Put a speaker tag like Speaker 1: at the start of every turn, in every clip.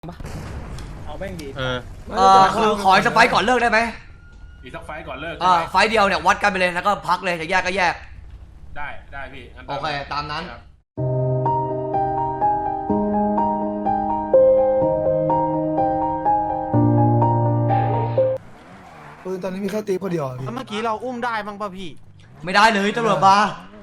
Speaker 1: เอาแม่งดี
Speaker 2: คือขออีกสักไฟก่อนเลิกได้ไหม
Speaker 3: อีกสักไฟก่อนเลิก
Speaker 2: ไฟเดียวเนี่ยวัดกันไปเลยแล้วก็พักเลยจะแยกก็แยก
Speaker 3: ได้พี่
Speaker 2: โอเคตามนั้น
Speaker 4: ปืนตอนนี้มีแค่ตีคนเดียวพี่
Speaker 1: เมื่อกี้เราอุ้มได้บ้างป่ะพี่
Speaker 2: ไม่ได้เลยตำรวจมา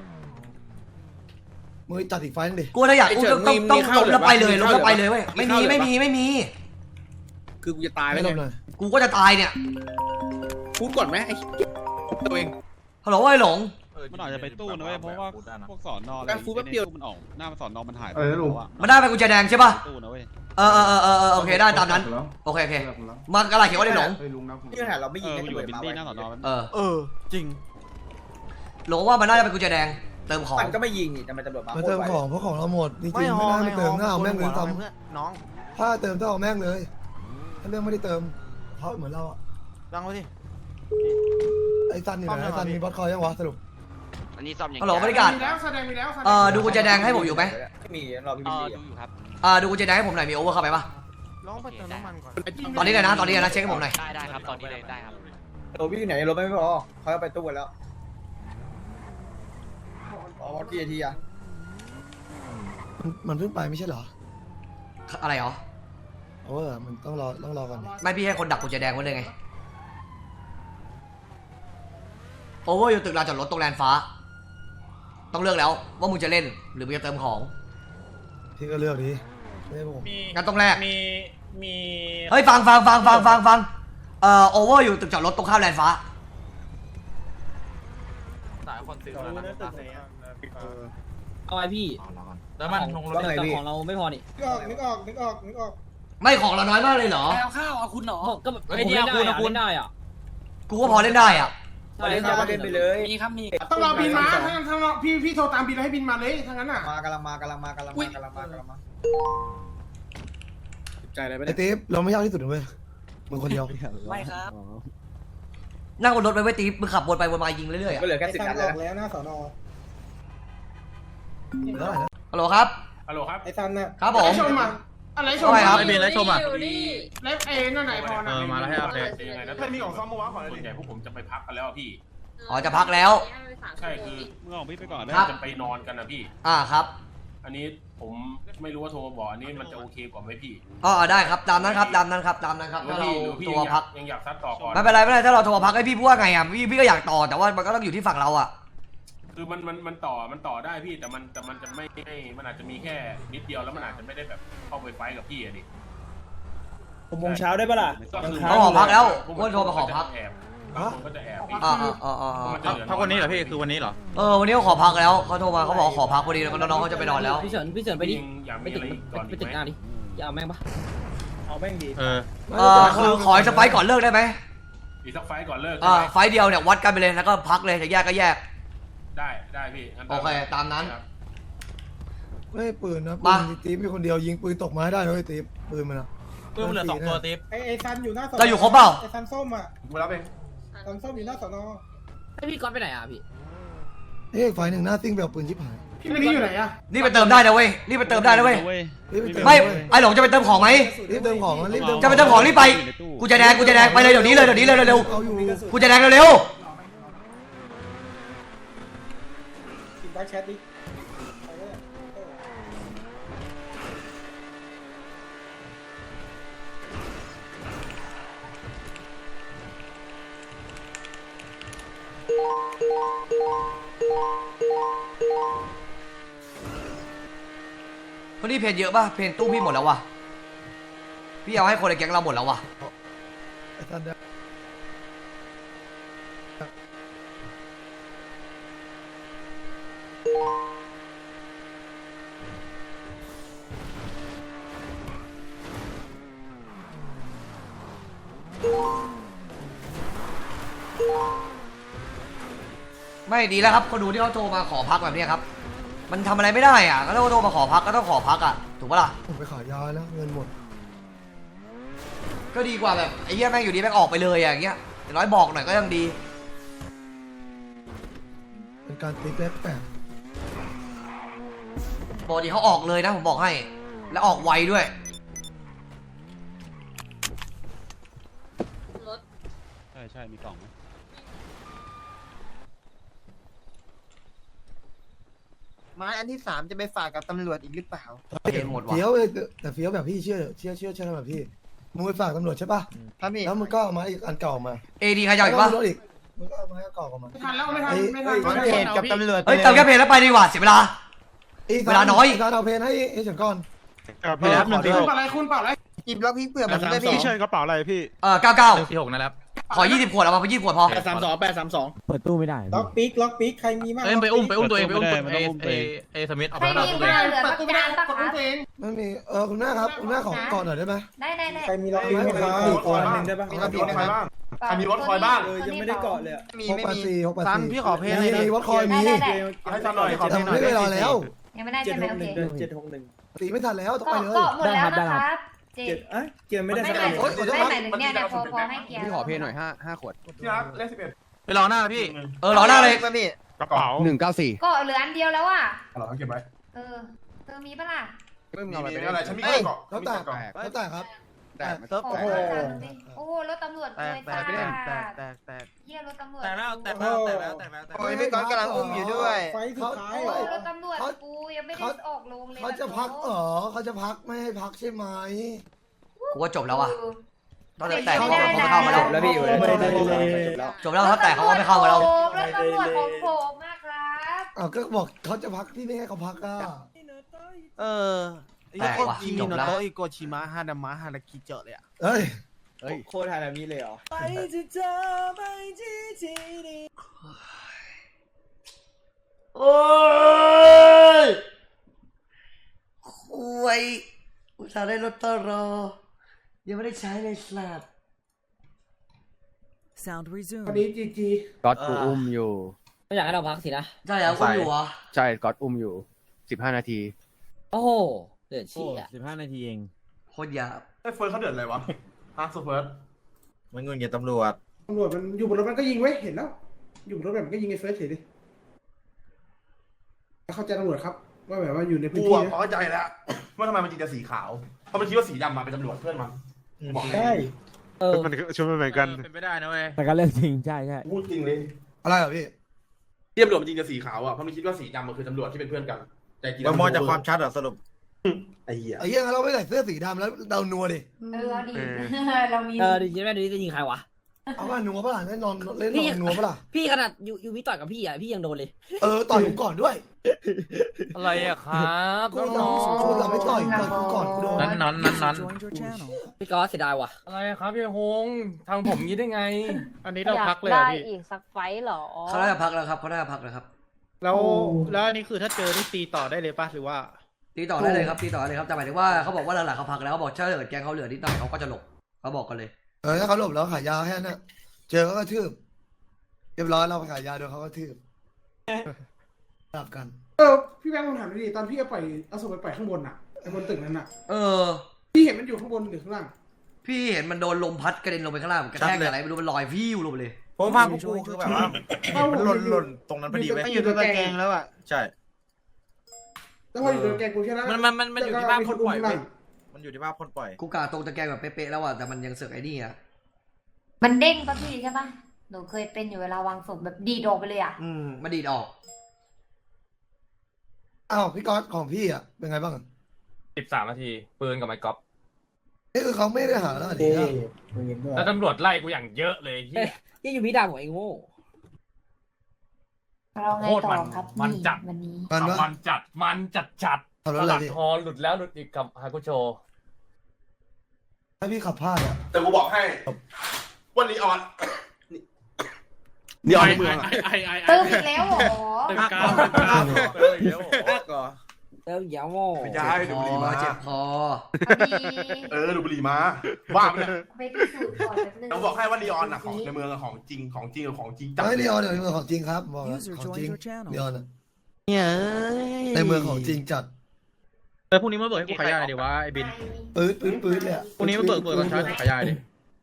Speaker 4: มือจัดอีกไฟนึงดิ
Speaker 2: กูถ้าอยากกูต้องลงแล้วไปเลยลงแล้วไปเลยเว้ยไม่มี
Speaker 1: คือกูจะตายแล้วเนี่ย
Speaker 2: กูก็จะตายเนี่ย
Speaker 1: พูดก่อนไหมไอ้ตัวเอง
Speaker 2: ฮัลโหลไอ้หลง
Speaker 5: มันอาจจะไปตู้นะเว้ยเพราะว่าพวกสอนนอน
Speaker 1: ฟูดแป๊บเดียว
Speaker 5: มันออกหน้ามันสอนนอนมันหาย
Speaker 2: มันได้ไปกุญแจแดงใช่ป่ะ
Speaker 5: ตู้นะเว้ย
Speaker 2: โอเคได้ตามนั้นโอเคมากระไรเขียนว่าได้หลง
Speaker 1: ที่หาเราไม่ยิง
Speaker 5: อยู่บินดี้หน้าสอนนอน
Speaker 1: จริง
Speaker 2: หลงว่ามันน่าจะเป็นกุญแจแดงเติมของ
Speaker 1: มันก็ไม่ยิงนี่แต่มันตำรวจ
Speaker 4: มาเติมของเพราะของเราหมดจริงๆไม่ได้เติมหน้าเอาแม่งเลยทำ
Speaker 1: น้อง
Speaker 4: ถ้าเติมต้องเอาแม่งเลยถ้าเรื่องไม่ได้เติมเพราะเหมือนเราอะ
Speaker 1: ดังไว้สิ
Speaker 4: ไอ้ซันนี่นะไอ้ซันมีบอสคอยยังวะสรุป
Speaker 6: อันนี้ซ่อมอย่าง
Speaker 2: ฮัลโหลบริการดูกุญแจแดงให้ผมอยู่ไหม
Speaker 1: ไม่มีรอพี่
Speaker 6: ดูอยู่ครับ
Speaker 2: ดูกุญแจแดงให้ผมหน่อยมีโอเวอร์เข้าไปปะ
Speaker 1: ลองไปเติมน้ำมันก่อน
Speaker 2: ตอนนี้เลยนะเช็คให้ผมหน่อย
Speaker 6: ได้ครับตอนนี้เลยได้ครับ
Speaker 1: โรบี้ไหนรถไม่พอเขาเอาไปตู้แล้วอ๋อกี่นาทีอะ
Speaker 4: มันเพิ่งไปไม่ใช่เหรอ
Speaker 2: อะไรหรอ
Speaker 4: มันต้องรอก่อน
Speaker 2: ไม่พี่ให้คนดักกุญแจแดงไว้เลยไงโอเวอร์อยู่ตึกลานจอดรถตรงแลนฟ้าต้องเลือกแล้วว่ามึงจะเล่นหรือมึงจะเติมของ
Speaker 4: พี่ก็เลือกดิไม่ใช่ผม
Speaker 2: งั้นต้องแรก
Speaker 3: มี
Speaker 2: เฮ้ยฟังโอเวอร์อยู่ตึกจอดรถตรงข้ามแลนฟ้า
Speaker 6: สายคนซื้อแล้วนะ
Speaker 7: เอาไอพี่
Speaker 6: แล้วมันลงรถแต่
Speaker 7: ของเราไม่พอนี่
Speaker 1: นึกออก
Speaker 2: ไม่ของเราน้อยมากเลยเหรอ
Speaker 6: เอาข้าวเอาคุณเหรอ
Speaker 7: ก็ไอเดียคุณได้อ่ะ
Speaker 2: กูก็พอเล่นได้อ่ะ
Speaker 1: เล่นไปเลย
Speaker 6: มีครับมี
Speaker 3: ต้องรอบินมาถ้าพี่โทรตามบินแล้วให้บินมาเลยทั้งนั้นอ่ะ
Speaker 1: กำลังมาใจอะไรไป
Speaker 4: ไอ้ติ๊บเราไม่ยากที่สุดเลยมึงคนเดียว
Speaker 6: ไม่ครับ
Speaker 2: นั่งบนรถไปไว้ตีมึงขับวนไปวนมายิงเรื่อยๆอ่ะ
Speaker 1: ก็เหลือแค่10 นัด
Speaker 4: แล้วหน้าสอนอ
Speaker 2: ฮัลโหลครับ
Speaker 1: ไอ้ซันน่ะ
Speaker 2: ครับผม
Speaker 3: ชมมาอะไรชม
Speaker 2: ครับ
Speaker 5: ไอ้เบนแล้วชมอ่ะ
Speaker 3: แล้วนั่นไหนพอนะ
Speaker 5: มาแล้วให้อัปเดต
Speaker 3: ยังไงนะถ้ามีของซ้อมเมื่อวานก่อนส่วนใหญ่พวกผมจะไปพักกันแล้วพี่
Speaker 2: จะพักแล้ว
Speaker 3: ใช่คือ
Speaker 5: มึงออกพี่ไปก่อน
Speaker 3: จะไปนอนกันนะพี่
Speaker 2: ครับ
Speaker 3: อันนี้ผมไม่รู้ว่าโทรมาบอกอันนี้มันจะโอเคกว่าไหมพี่
Speaker 2: ได้ครับตามนั้นครับถ้าเราโทรพัก
Speaker 3: ยังอยากซัดต่อก่อน
Speaker 2: ไม่เป็นไรถ้าเราโทรพักให้พี่พูดว่าไงอ่ะพี่ก็อยากต่อแต่ว่ามันก็ต้องอยู่ที่ฝั่งเราอ่ะ
Speaker 3: คือมันต่อได้พี่แต่มันจะไม่มันอาจจะมีแค่นิดเดียวแล้วมันอาจจะไม่ได้แบบเข้าไปไฟกับพี่ดิ
Speaker 1: 6 โมงเช้าได้ปะล่ะ
Speaker 2: เขาขอพักแล้วว่าโทรมาขอพัก
Speaker 3: มันก็จะแอบ
Speaker 5: พักวันนี้เหรอพี่คือวันนี้เหรอ
Speaker 2: วันนี้เขาขอพักแล้วเขาโทรมาเขาบอกขอพักพอดีแล้วน้องเขาจะไปนอนแล้ว
Speaker 7: พี่เฉินไปดิไปตึกหน้าดิจะเอาแม่งปะ
Speaker 1: เอาแม่งดี
Speaker 2: คือขออีกสักไฟก่อนเลิกได้ไหม
Speaker 3: อีกสักไฟก่อนเลิก
Speaker 2: ไฟเดียวเนี่ยวัดกันไปเลยแล้วก็พักเลยจะแยกก็แยก
Speaker 3: ได้พี่
Speaker 2: โอเคตามนั้น
Speaker 4: ไม่ปืนนะปืนติ๊บมีคนเดียวยิงปืนตกมาได้เลยติ๊บปืนมันอะ
Speaker 6: ปืนเหลือ2 ตัวติ๊บ
Speaker 1: ไอ้ซันอยู่หน้าสอนอ
Speaker 2: เราอยู่ครบเปล่า
Speaker 1: ไอ้ซันส้มอ่ะ
Speaker 3: กูรับเอง
Speaker 1: ซันส้มอยู่หน้าสอนอ
Speaker 7: ไอพี่ก๊อตไปไหนอ่ะพี่
Speaker 4: ไฟหนึ่งหน้าซิ่งแบบปืนชิบหาย
Speaker 3: พี่นี่อยู่ไหนอะ
Speaker 2: นี่ไปเติมได้นะเว้ยไม่ไอ้หลงจะไปเติมของไหม
Speaker 4: รีบเติมของ
Speaker 2: จะไปเติมของรีบไปกูจะแดงไปเลยเดี๋ยวนี้เลยเร็วกูจะแดงเร็ว
Speaker 1: แชทดิ
Speaker 2: คนนี้เพนเยอะป่ะเพนตู้พี่หมดแล้ววะพี่เอาให้คนในแก๊งเราหมดแล้ววะไม่ดีแล้วครับคนดูที่เขาโทรมาขอพักแบบนี้ครับมันทำอะไรไม่ได้อ่ะก็ต้องโทรมาขอพักก็ต้องขอพักอ่ะถูกปะล่ะ
Speaker 4: ผมไปขายยาแล้วเงินหมด
Speaker 2: ก็ดีกว่าแบบไอ้เหี้ยแม่งอยู่ดีแม่งออกไปเลยอย่างเงี้ยอย่างน้อยบอกหน่อยก็ยังดี
Speaker 4: เป็นการติ๊บแปลก
Speaker 2: ปกติเขาออกเลยนะผมบอกให้แล้วออกไวด้วย
Speaker 5: ช่มีกล่องไหม
Speaker 8: ไม้อันที่3จะไปฝากกับตำรวจอีกหรือเปล่า
Speaker 2: เห็นหมดว่ะ
Speaker 4: เฟี้ยวแต่เฟี้ยวแบบพี่เชื่อแบบพี่มึงไปฝากตำรวจใช่ป่ะ
Speaker 8: ครับพี่
Speaker 4: แล้วมึงก็เอาไม้อีกอันเก่ามา
Speaker 2: เอดีใครจะเอาอีกปะ
Speaker 4: แล้วรถอีกมึงก็เอาไม้เก่ามา
Speaker 1: ไม่ทันแล้วไม่ทันไม่ทัน
Speaker 8: ร้อยเอกกับตำรวจ
Speaker 2: เฮ้ยเติมแค่เพลแล้วไปดีกว่าเสียเวลา เวลาน้อย
Speaker 4: การเอาเพนให้ฉันก่อน
Speaker 5: พี่รับหนึ่ง
Speaker 1: คุ
Speaker 5: สี่
Speaker 1: ณ
Speaker 5: หก
Speaker 1: เปล่าอะไรคุณเปล่าอะไร
Speaker 8: หยิบล็อกพิกเผื่อผมด้วยพี่
Speaker 5: พี่เชิญกระเป๋าอะไรพี่
Speaker 2: 99
Speaker 5: 46นะครับ
Speaker 2: ขอ20ขวดเอามาไป20ขวดพอ
Speaker 5: 832
Speaker 7: เปิดตู้ไม่ได้
Speaker 1: ล็อกปิ๊กใครมีมาก
Speaker 5: เอ้ยไปอุ้มตัวเองไปอุ้มเอสมิธเอาไป
Speaker 9: ไม่
Speaker 5: รับ
Speaker 9: มี
Speaker 5: ตัวเอง
Speaker 9: เหลือ
Speaker 1: เปิด
Speaker 9: ปาก
Speaker 1: ตู้ไม่ได้
Speaker 9: กาปะ
Speaker 1: กด
Speaker 9: คะ
Speaker 1: ตู้ตัวเอง
Speaker 4: ไม่มีคุณแม่ครับคุณแม่ของก่อนหน่อยได้ไหม
Speaker 9: ได้
Speaker 1: ใครมีล็อกปิ๊กไหมครับ
Speaker 8: คนหนึ่งได้ปะมีรถคอยบ้าง
Speaker 9: ใครมีรถคอยบ้างยังไม่ได้เกาะเลย
Speaker 8: มี
Speaker 4: 684
Speaker 8: ไม่มี
Speaker 4: 684
Speaker 8: ซันพี่ขอเพลงเลยนะ
Speaker 4: มีวัดคอยมี
Speaker 9: ได้
Speaker 8: ให้ซันหน่อยขอเพล
Speaker 4: แต่
Speaker 8: ง
Speaker 4: มัน
Speaker 8: หน่อย
Speaker 4: ไม่เวลาแล้ว
Speaker 9: ยังไม่ได้ใช่ไหมโอเค
Speaker 4: ตีไม่ทันแล้วต้องไปเลย
Speaker 9: เกาะหมดแล้วนะครับเจ็ด
Speaker 1: เกียร์ไม่ได้
Speaker 9: ไม่หมายถึงไม่หมายถึงเนี่ยพอให้เกียร์
Speaker 7: พี่ขอเพลงหน่อย5 ขวด
Speaker 1: ที่รักเลข11
Speaker 5: ไปรอหน้าพี่
Speaker 2: รอหน้าเลย
Speaker 8: พี่
Speaker 5: กระเป๋า
Speaker 7: 194
Speaker 9: เกาะเหลืออันเดียวแล้วอ่ะ
Speaker 1: หรอเก็บไว้
Speaker 9: เออมีปะล่ะ
Speaker 7: ไม่มีอะไร
Speaker 1: อะไรฉันมี
Speaker 8: เฮ้ย
Speaker 1: เกาะ
Speaker 4: แล้วแต่ครับ
Speaker 9: โอ้โหโอ้โหรถตำรวจเลยจ้าเยี่ยรถตำรวจ
Speaker 6: แต่แล้ว
Speaker 8: โอ้ยพี่ก๊อตกำลังอุ้มอยู่ด้วย
Speaker 1: ไฟสุดท้าย
Speaker 9: โอ้รถตำรวจกูยังไม่ได้ออกลงเลย
Speaker 4: เขาจะพักเขาจะพักไม่ให้พักใช่ไหม
Speaker 2: กูว่าจบแล้วอ่ะตั้งแต่เขาไม่เข้ามาแล้ว
Speaker 7: แล้วพี่อยู่เลย
Speaker 2: จบแล้วถ้าแต่เขาก็ไม่เข้ามาแล้ว
Speaker 9: รถตำรวจของผมมากครับ
Speaker 4: อ้าวก็บอกเขาจะพักที่ไม่ให้เขาพักอ่ะ
Speaker 2: แต่ว่ะจบแล้ว
Speaker 8: โกชิมะฮาดามะฮาราคิเจอเลยอ่ะ
Speaker 4: เฮ้ย
Speaker 7: โคตรไทยแบบนี้เลยเหรอ
Speaker 2: โอ้ยคุยอุตส่าห์ได้รถตรอยังไม่ได้ใช้เลยสัตว์
Speaker 1: วันนี้จี
Speaker 7: ก๊อตกูอุ้มอยู่ไม่อยากให้เราพักสินะ
Speaker 2: ใช่แล้วคุณอยู่เหรอ
Speaker 7: ใช่ก๊อตอุ้มอยู่15 นาที โอ้โหเดือดชี้อ่ะ15 นาทีเอง
Speaker 2: โคตรหยาบ
Speaker 1: ไอ้เฟิร์สเขาเดือดอะไรวะฮาร์ดเฟิร์ส
Speaker 5: มันเงินเงินตำรวจ
Speaker 1: ตำรวจมันอยู่บนรถมันก็ยิงไว้เห็นแล้ว อยู่บนรถแบบมันก็ยิงไอ้เฟิร์สเฉยดิเข้าใจตำรวจครับว่าแบบว่าอยู่ในพื้น
Speaker 10: กู
Speaker 1: ที่
Speaker 10: เข้าใจแล้วว่าทำไมมันจริงจะสีขาวเพราะมันคิดว่าสีดำมาเป็นตำรวจเพื่อนมันบอกให้
Speaker 1: ใช่
Speaker 5: มันชุดมันเหมือนกันเป็นไปได้นะเว้ย
Speaker 7: แต่ก็เรื่องจริงใช่
Speaker 10: พูดจริงเลย
Speaker 4: อะไรเหรอพี่
Speaker 10: ที่ตำรวจมันจริงจะสีขาวอ่ะเพราะมันคิดว่าสีดำมันคือตำรวจที่เป็นเพื่อนกันแต่จริง
Speaker 5: เรามองจากความชัดเหรอสรุป
Speaker 10: ไอ้เหี้ย
Speaker 4: ไอ้เหี้ยเราไม่ใส่เสื้อสีดำแล้วเดานัวดิ
Speaker 9: เอาดีเรามี
Speaker 7: ดิจิแม่ดูจะยิงใครวะ
Speaker 4: เอาว่านัวปะล่ะแน่นอนเล่นนัวปะล่ะ
Speaker 7: พี่ขนาดอยู่วิต่อยกับพี่อ่ะพี่ยังโดนเลย
Speaker 4: ต่อยผมก่อนด้วย
Speaker 6: อะไรอะครับ
Speaker 4: กูชวนเราไม่ต่อยกูก่อนกูโดน
Speaker 5: นั้น
Speaker 7: พี่ก๊อตเสียดายว่ะ
Speaker 6: อะไรครับพี่ฮงทางผมงี้ได้ไง
Speaker 5: อันนี้เราพักเลย
Speaker 9: ได้
Speaker 5: พี่
Speaker 9: อีกสักไฟหรอ
Speaker 2: เขาน่าจะพักแล้วครับเขาน่าจะพักแล้วครับ
Speaker 5: แล้วอันนี้คือถ้าเจอนี่ตีต่อได้เลยป่ะหรือว่า
Speaker 2: ตีต่อได้เลยครับตีต่อได้เลยครับแต่หมายถึงว่าเขาบอกว่าหลังๆเขาพักแล้วเขาบอกถ้าเกิดแกงเขาเหลือนิดหน่อยเขาก็จะหลบเขาบอกกันเลย
Speaker 4: ถ้าเขาหลบแล้วขายยาแค่นั้นเจอเขาก็ทืบเรียบร้อยเราขายยาโดนเขาก็ทืบกลับกัน
Speaker 1: พี่แบงค์ผมถามดิตอนพี่เอาศพไปปล่อยข้างบนอ่ะไอ้บนตึกนั้นอ่ะ
Speaker 2: อ
Speaker 1: พี่เห็นมันอยู่ข้างบนหรือข้างล่าง
Speaker 2: พี่เห็นมันโดนลมพัดกระเด็นลงไปข้างล่างกระแทกอะไรไม่รู้มันลอยฟิวลงไปเลย
Speaker 5: ผมภาพกูคือแบบว่ามันหล่นตรงนั้นพอดีเว้ย
Speaker 8: ไม่อยู่ตรงตะแกรงแล้วอ่ะ
Speaker 5: ใช่
Speaker 1: แล้วพออยู่ตรงแกงกูแค่นั้น
Speaker 6: มันอยู่ที่บ้านคนปล่อย
Speaker 5: มันอยู่ที่ภาพคนปล่อย
Speaker 2: กูกาตรงตะแกรงแบบเป๊ะๆแล้วอ่ะแต่มันยังเสือกไอ้นี่อ่ะ
Speaker 9: มันเด้งปะพี่ใช่ปะหนูเคยเป็นอยู่เวลาวางศพแบบดีดออกไปเลยอ่ะ
Speaker 2: มาดีดออก
Speaker 4: อ้าวพี่ก๊อตของพี่อ่ะเป็นไงบ้าง
Speaker 6: 13 นาทีปืนกับไม้กอล์ฟ
Speaker 4: นี่คือเขาไม่ได้หาแล้วดิ
Speaker 6: แล้วตำรวจไล่กูอย่างเยอะเลยที่
Speaker 7: ที่อยู่พี่ดาวของไอ้โง่
Speaker 9: เราไงต่อครับ
Speaker 6: มันจัด
Speaker 9: วันนี้
Speaker 6: มันจัด
Speaker 4: ขับร
Speaker 6: ต
Speaker 4: ถอะไร
Speaker 6: ลาด
Speaker 4: ดิ
Speaker 6: ทอหลุดแล้วหลุดอีกกับฮากุโช
Speaker 4: ถ้าพี่ขับพลาดอ่ะ
Speaker 10: แต่กูบอกให้วันนี้ออนนี่ออนในเมืองอะ
Speaker 9: เติมอีกแล้วเหรอ
Speaker 6: ตึงกลาง
Speaker 7: เติมยาวโง่
Speaker 10: ไม่ใช่ดูบุหรี่มา
Speaker 2: เจ็บคอ
Speaker 9: เอาดี
Speaker 10: ดูบุหรี่มาบ้าไปเนี่ย
Speaker 9: ไปพิสูจน์ก่อนแป๊บนึง
Speaker 10: เราบอกให้ว่านีออนอะของในเมืองอะของจริงกับของจริงจัด
Speaker 4: เฮ้ยเดียวเดี๋ยวในเมืองของจริงครับบอกแล้วของจริงเดียวนะในเมืองของจริงจัด
Speaker 5: พรุ่งนี้มาเบิกให้กูขายยาหน่อยดิวะไอ้บิน
Speaker 4: ปื๊ดเลยอ่ะ
Speaker 5: พรุ่งนี้มาเบิกตอนเช้าขายยาดิ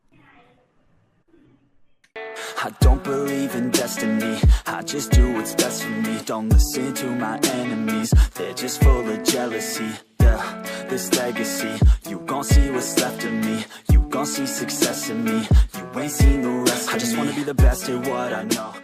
Speaker 11: I don't believe in destiny, I just do what's best for me. Don't listen to my enemies, they're just full of jealousy. Yeah, this legacy, you gon' see what's left of me. You gon' see success in me, you ain't seen the rest of me. I just wanna the best at what I know.